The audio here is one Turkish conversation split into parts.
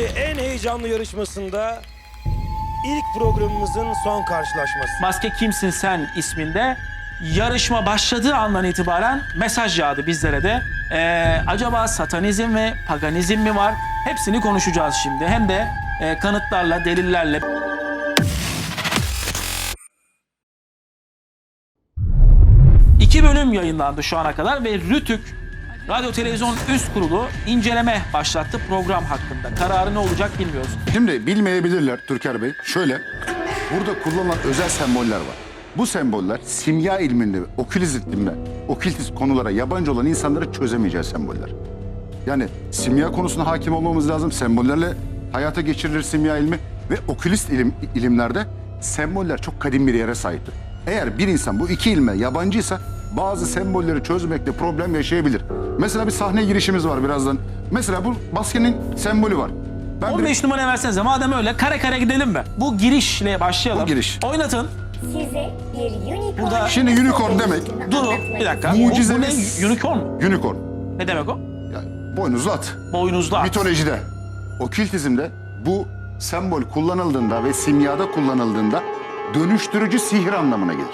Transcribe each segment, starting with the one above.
en heyecanlı yarışmasında ilk programımızın son karşılaşması. Maske Kimsin Sen isminde yarışma başladığı andan itibaren mesaj yağdı bizlere de. Acaba satanizm ve paganizm mi var? Hepsini konuşacağız şimdi. Hem de kanıtlarla, delillerle. İki bölüm yayınlandı şu ana kadar ve Rütük Radyo Televizyon Üst Kurulu inceleme başlattı program hakkında. Kararı ne olacak bilmiyoruz. Şimdi bilmeyebilirler Türker Bey. Şöyle, burada kullanılan özel semboller var. Bu semboller simya ilminde, okültist konulara yabancı olan insanları çözemeyeceği semboller. Yani simya konusuna hakim olmamız lazım. Sembollerle hayata geçirilir simya ilmi ve okülist ilimlerde semboller çok kadim bir yere sahiptir. Eğer bir insan bu iki ilme yabancıysa bazı sembolleri çözmekte problem yaşayabilir. Mesela bir sahne girişimiz var birazdan. Mesela bu maskenin sembolü var. 15 numara versenize. Madem öyle kare kare gidelim mi? Bu girişle başlayalım. Bu giriş. Oynatın. Size bir unicorn... Burada- Şimdi unicorn demek. Durun bir dakika. Bu Mucizemiz- ne? Unicorn mu? Unicorn. Ne demek o? Yani boynuzlu at. Boynuzlu at. Mitolojide, okültizmde bu sembol kullanıldığında ve simyada kullanıldığında dönüştürücü sihir anlamına gelir.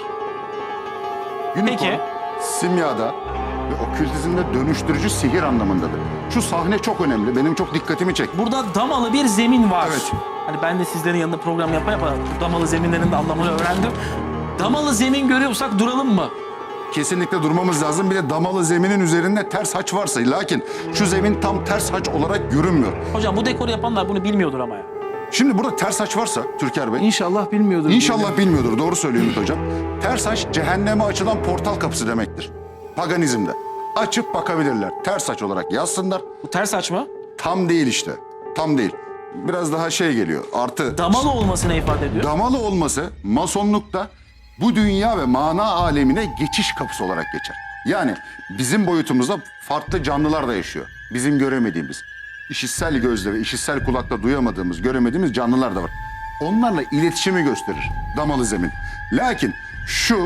Unicorn, Peki. simyada ve okültizmde dönüştürücü sihir anlamındadır. Şu sahne çok önemli. Benim çok dikkatimi çekti. Burada damalı bir zemin var. Evet. Hani ben de sizlerin yanında program yapa bu damalı zeminlerin de anlamını öğrendim. Damalı zemin görüyorsak duralım mı? Kesinlikle durmamız lazım. Bir de damalı zeminin üzerinde ters haç varsa. Lakin şu zemin tam ters haç olarak görünmüyor. Hocam bu dekoru yapanlar bunu bilmiyordur ama ya. Şimdi burada ters haç varsa Türker Bey. İnşallah bilmiyordur. İnşallah bilmiyordur. Doğru söylüyor Ümit Hocam. Ters haç cehenneme açılan portal kapısı demektir. Paganizmde. Açıp bakabilirler. Ters haç olarak yazsınlar. Bu ters aç mı? Tam değil işte. Tam değil. Biraz daha şey geliyor. Artı Damalı olmasını ifade ediyor. damalı olması masonlukta bu dünya ve mana alemine geçiş kapısı olarak geçer. Yani bizim boyutumuzda farklı canlılar da yaşıyor. Bizim göremediğimiz, işitsel gözle ve işitsel kulakla duyamadığımız, göremediğimiz canlılar da var. Onlarla iletişimi gösterir damalı zemin. Lakin şu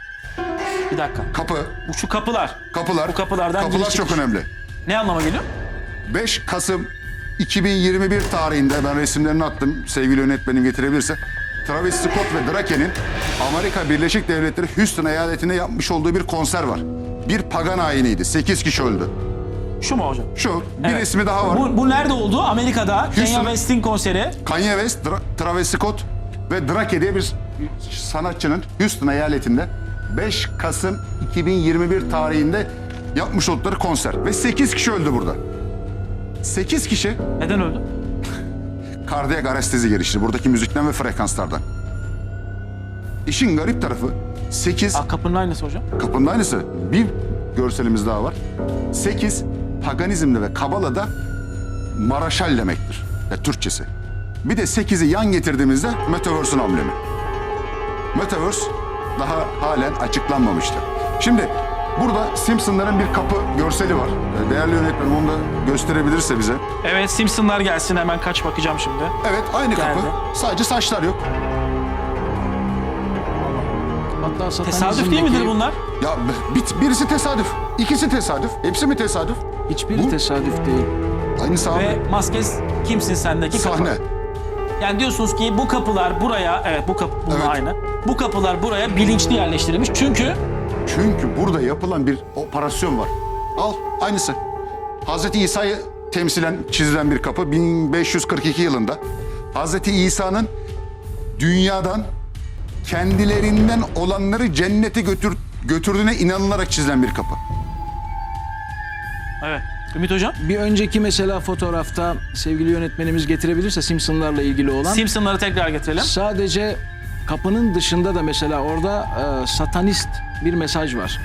Bir dakika. kapı, Şu kapılar. kapılar, Bu kapılardan kapılar giriş çok çıkış. önemli. Ne anlama geliyor? 5 Kasım 2021 tarihinde ben resimlerini attım. Sevgili yönetmenim getirebilirse. Travis Scott ve Drake'nin Amerika Birleşik Devletleri Houston eyaletinde yapmış olduğu bir konser var. Bir pagan ayiniydi. 8 kişi öldü. Şu mu hocam? Şu bir Evet. resmi daha var. Bu nerede oldu? Amerika'da. Kanye Houston. West'in konseri. Kanye West, Travis Scott ve Drake diye bir sanatçının Houston eyaletinde 5 Kasım 2021 tarihinde yapmış oldukları konser. Ve 8 kişi öldü burada. 8 kişi Neden öldü? kardiyak arestezi gelişti buradaki müzikten ve frekanslardan. İşin garip tarafı 8, Kapının aynısı hocam. kapının aynısı bir görselimiz daha var. 8, paganizmde ve kabalada maraşal demektir. Ya, Türkçesi. Bir de 8'i yan getirdiğimizde Metaverse'ün amblemi. Metaverse daha halen açıklanmamıştı. Şimdi burada Simpsonların bir kapı görseli var. Değerli yönetmenim onu da gösterebilirse bize. Evet, Simpsonlar gelsin, hemen kaç bakacağım şimdi. Evet, aynı kapı. Geldi. Sadece saçlar yok. Hatta Tesadüf değil midir bunlar? Ya birisi tesadüf, ikisi tesadüf, hepsi mi tesadüf? Hiçbiri Bu- tesadüf değil. Aynı sahne. Ve Maskes Kimsin Sen'deki kapı. Sahne. Yani diyorsunuz ki bu kapılar buraya, evet bu kapı bununla Evet. aynı. Bu kapılar buraya bilinçli yerleştirilmiş çünkü Çünkü burada yapılan bir operasyon var. Al, aynısı. Hazreti İsa'yı temsilen çizilen bir kapı 1542 yılında. Hazreti İsa'nın dünyadan kendilerinden olanları cennete götürdüğüne inanılarak çizilen bir kapı. evet. Ümit Hocam, Bir önceki mesela fotoğrafta sevgili yönetmenimiz getirebilirse Simpsonlarla ilgili olan Simpsonları tekrar getirelim. sadece kapının dışında da mesela orada satanist bir mesaj var.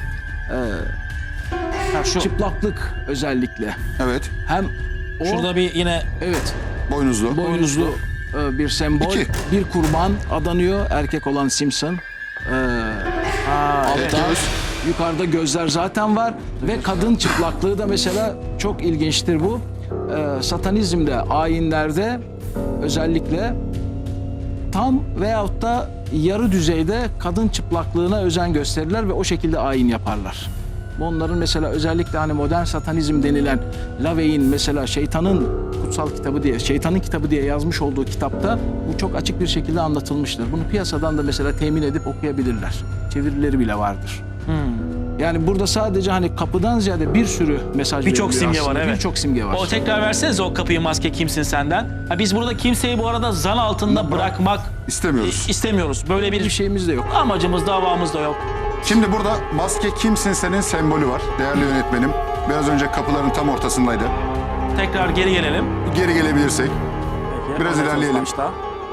Ha, şu. Çıplaklık özellikle. Evet, Hem o Şurada bir yine evet boynuzlu. boynuzlu bir sembol. İki. Bir kurban adanıyor erkek olan Simpson. Altta yukarıda gözler zaten var ve kadın çıplaklığı da mesela çok ilginçtir bu. Satanizmde, ayinlerde özellikle tam veyahut da yarı düzeyde kadın çıplaklığına özen gösterirler ve o şekilde ayin yaparlar. Onların mesela özellikle hani modern satanizm denilen LaVey'in mesela şeytanın kutsal kitabı diye, şeytanın kitabı diye yazmış olduğu kitapta bu çok açık bir şekilde anlatılmıştır. Bunu piyasadan da mesela temin edip okuyabilirler. Çevirileri bile vardır. Yani burada sadece hani kapıdan ziyade bir sürü mesaj Birçok veriliyor simge aslında. var, evet. Birçok simge var. O tekrar versenize o kapıyı, maske kimsin senden. Ha, biz burada kimseyi bu arada zan altında bırakmak İstemiyoruz. istemiyoruz. Böyle Bir bir şeyimiz de yok. amacımız, davamız da yok. Şimdi burada maske kimsin senin sembolü var değerli yönetmenim. Biraz önce kapıların tam ortasındaydı. Tekrar geri gelelim. Geri gelebilirsek. Peki, Biraz anlatırız ilerleyelim. başta.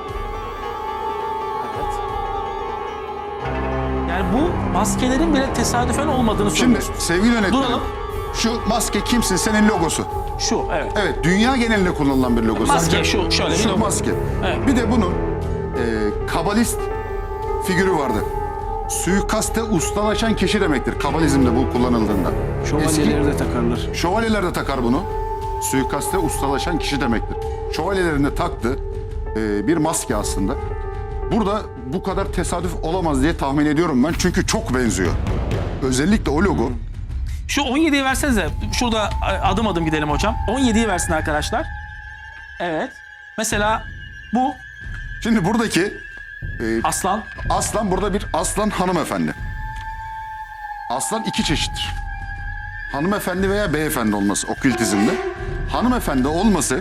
Evet. Yani bu maskelerin bile tesadüfen olmadığını Şimdi söylüyorsunuz. sevgili yönetmenim. Duralım. Şu maske kimsin senin logosu. Şu, evet. Evet, dünya genelinde kullanılan bir logo. Maske zaten. şu, şöyle bir Şu logo. maske. Evet. Bir de bunun kabalist figürü vardı. Suikaste ustalaşan kişi demektir kabalizmde bu kullanıldığında. Şövalyeleri de takarlar. Şövalyeler de takar bunu. Suikaste ustalaşan kişi demektir. Şövalyelerin de taktığı bir maske aslında. Burada bu kadar tesadüf olamaz diye tahmin ediyorum ben. Çünkü çok benziyor. Özellikle o logo. Şu 17'yi versenize. Şurada adım adım gidelim hocam. 17'yi versin arkadaşlar. Evet. Mesela bu Şimdi buradaki aslan. aslan, burada bir aslan hanımefendi. Aslan iki çeşittir. Hanımefendi veya beyefendi olması okültizmde. Hanımefendi olması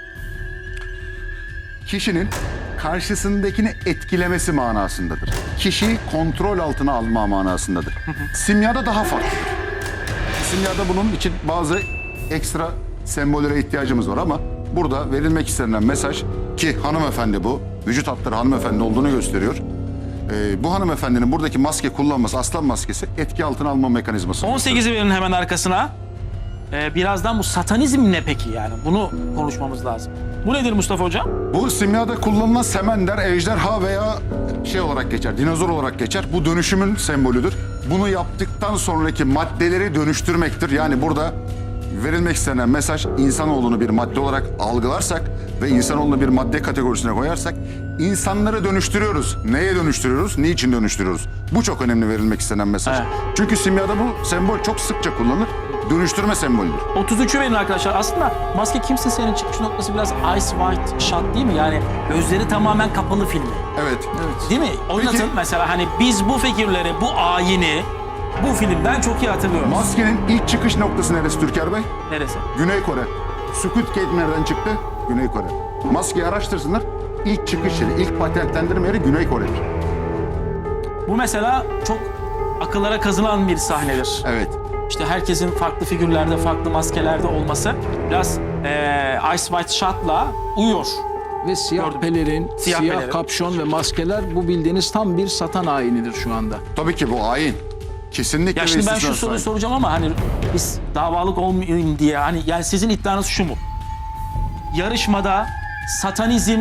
kişinin karşısındakini etkilemesi manasındadır. Kişiyi kontrol altına alma manasındadır. Simyada daha farklıdır. Simyada bunun için bazı ekstra sembollere ihtiyacımız var ama burada verilmek istenilen mesaj ki hanımefendi bu, vücut hatları hanımefendi olduğunu gösteriyor. Bu hanımefendinin buradaki maske kullanması, aslan maskesi etki altına alma mekanizması. 18'i verin hemen arkasına. Birazdan bu satanizm ne peki yani? Bunu konuşmamız lazım. Bu nedir Mustafa hocam? Bu simyada kullanılan semender, ejderha veya şey olarak geçer, dinozor olarak geçer. Bu dönüşümün sembolüdür. Bunu yaptıktan sonraki maddeleri dönüştürmektir. Yani burada verilmek istenen mesaj insanoğlunu bir madde olarak algılarsak ve insanoğlunu bir madde kategorisine koyarsak insanları dönüştürüyoruz. Neye dönüştürüyoruz? Niçin dönüştürüyoruz? Bu çok önemli verilmek istenen mesaj. Evet. Çünkü simyada bu sembol çok sıkça kullanılır. Dönüştürme sembolüdür. 33'ü verin arkadaşlar. Aslında maske kimsin senin çıkış noktası biraz Ice White Shot değil mi? Yani gözleri tamamen kapalı filmi. Evet. Değil mi? Oynatın Peki- mesela hani biz bu figürleri, bu ayini bu filmden çok iyi hatırlıyoruz. Maskenin ilk çıkış noktası neresi Türker Bey? Neresi? Güney Kore. Squid Game nereden çıktı? Güney Kore. Maskeyi araştırsınlar. İlk çıkış yeri, ilk patentlendirme yeri Güney Kore'dir. Bu mesela çok akıllara kazınan bir sahnedir. Evet. İşte herkesin farklı figürlerde, farklı maskelerde olması biraz Ice White Shot'la uyuyor. Ve siyah Gördüm. pelerin, Siyah siyah pelerin. kapşon ve maskeler bu bildiğiniz tam bir satan ayinidir şu anda. Tabii ki bu ayin. Kesinlikle Ya ve şimdi ben şu istisnasız soruyu ayin. soracağım ama hani biz davalık olmayayım diye hani yani sizin iddianız şu mu? Yarışmada satanizm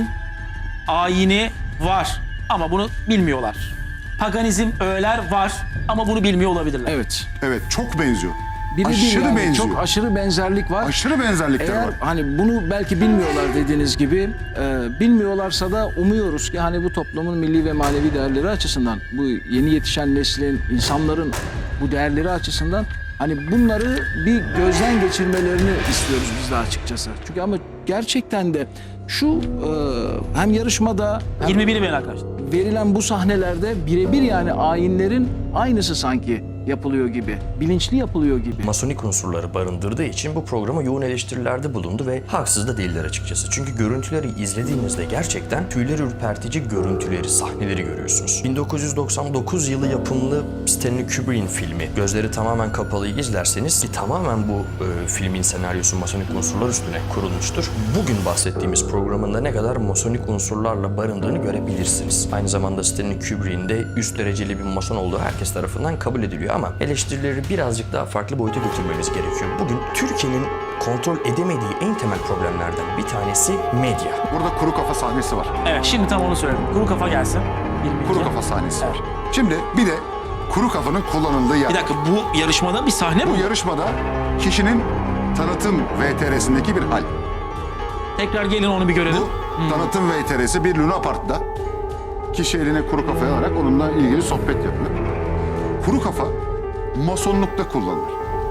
ayini var ama bunu bilmiyorlar. Paganizm öğeler var ama bunu bilmiyor olabilirler. Evet. Evet, çok benziyor. Birebir Aşırı yani, benziyor. çok aşırı benzerlik var. Aşırı benzerlikler Eğer var. hani bunu belki bilmiyorlar dediğiniz gibi, bilmiyorlarsa da umuyoruz ki hani bu toplumun milli ve manevi değerleri açısından, bu yeni yetişen neslin, insanların bu değerleri açısından hani bunları bir gözden geçirmelerini istiyoruz biz de açıkçası. Çünkü ama gerçekten de şu hem yarışmada hem 21'i verin arkadaşlar. verilen bu sahnelerde birebir yani ayinlerin aynısı sanki yapılıyor gibi, bilinçli yapılıyor gibi. Masonik unsurları barındırdığı için bu programa yoğun eleştirilerde bulundu ve haksız da değiller açıkçası. Çünkü görüntüleri izlediğinizde gerçekten tüyleri ürpertici görüntüleri, sahneleri görüyorsunuz. 1999 yılı yapımlı Stanley Kubrick'in filmi Gözleri Tamamen Kapalı'yı izlerseniz ki tamamen bu filmin senaryosu masonik unsurlar üstüne kurulmuştur. Bugün bahsettiğimiz programın da ne kadar masonik unsurlarla barındığını görebilirsiniz. Aynı zamanda Stanley Kubrick'in de üst dereceli bir mason olduğu herkes tarafından kabul ediliyor ama eleştirileri birazcık daha farklı boyuta götürmemiz gerekiyor. Bugün Türkiye'nin kontrol edemediği en temel problemlerden bir tanesi medya. Burada kuru kafa sahnesi var. Evet şimdi tam onu söyledim. Kuru kafa gelsin. 22. Kuru kafa sahnesi var. Şimdi bir de kuru kafanın kullanıldığı yer. Bir dakika bu yarışmada bir sahne mi? Bu yarışmada kişinin tanıtım VTR'sindeki bir hal. Tekrar gelin onu bir görelim. Bu tanıtım VTR'si bir Luna Park'ta kişi eline kuru kafayı alarak onunla ilgili sohbet yapıyor. Kuru kafa masonlukta kullanılır.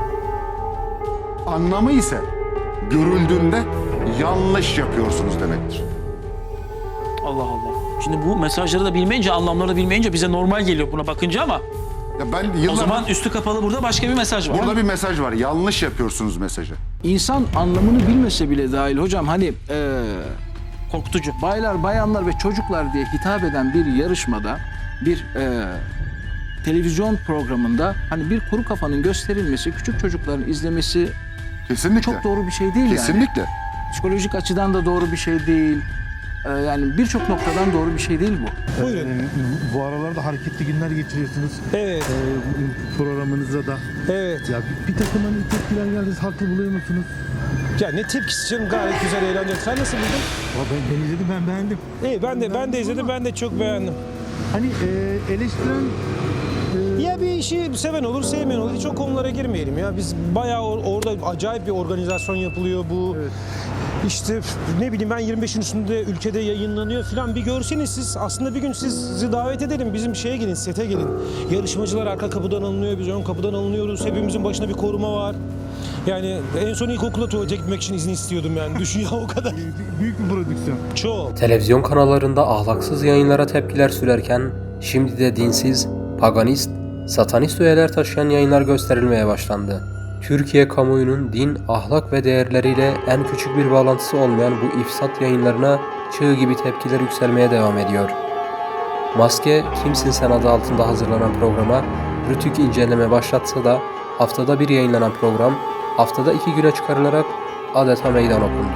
Anlamı ise görüldüğünde yanlış yapıyorsunuz demektir. Allah Allah. Şimdi bu mesajları da bilmeyince, anlamları da bilmeyince bize normal geliyor buna bakınca ama Ya ben o yıllardır zaman üstü kapalı burada başka bir mesaj var. burada bir mesaj var. Yanlış yapıyorsunuz mesajı. İnsan anlamını bilmese bile dahil hocam hani Korkutucu. baylar, bayanlar ve çocuklar diye hitap eden bir yarışmada bir televizyon programında hani bir kuru kafanın gösterilmesi, küçük çocukların izlemesi Kesinlikle. çok doğru bir şey değil yani. Kesinlikle. Psikolojik açıdan da doğru bir şey değil. Yani birçok noktadan doğru bir şey değil bu. Buyurun. Bu aralarda hareketli günler geçiriyorsunuz. Evet. Programınıza da. Evet. Ya bir takım hani tepkiler geldi. Haklı buluyor musunuz? Ya ne tepkisi canım, gayet güzel, eğlenceli. Sen nasıl buldun? Ben izledim, ben beğendim. İyi, ben de izledim, ben de çok beğendim. Hani eleştiren Ya bir işi seven olur, sevmeyen olur. Hiç o konulara girmeyelim ya. Biz bayağı orada acayip bir organizasyon yapılıyor bu. Evet. İşte ne bileyim ben 25'in üstünde ülkede yayınlanıyor falan. Bir görseniz siz, aslında bir gün sizi davet edelim. Bizim şeye gelin, sete gelin. Yarışmacılar arka kapıdan alınıyor, biz ön kapıdan alınıyoruz. Hepimizin başına bir koruma var. Yani en son ilkokula tuvalete gitmek için izin istiyordum yani. Düşün ya, o kadar. büyük bir prodüksiyon. Çok. Televizyon kanallarında ahlaksız yayınlara tepkiler sürerken şimdi de dinsiz, paganist, satanist öğeler taşıyan yayınlar gösterilmeye başlandı. Türkiye kamuoyunun din, ahlak ve değerleriyle en küçük bir bağlantısı olmayan bu ifsat yayınlarına çığ gibi tepkiler yükselmeye devam ediyor. Maske, Kimsin Sen adı altında hazırlanan programa rütük inceleme başlatsa da haftada bir yayınlanan program haftada 2 güne çıkarılarak adeta meydan okundu.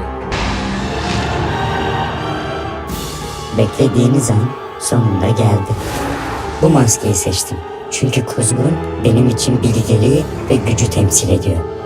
Beklediğiniz an sonunda geldi. Bu maskeyi seçtim. Çünkü kuzgun benim için bilgeliği ve gücü temsil ediyor.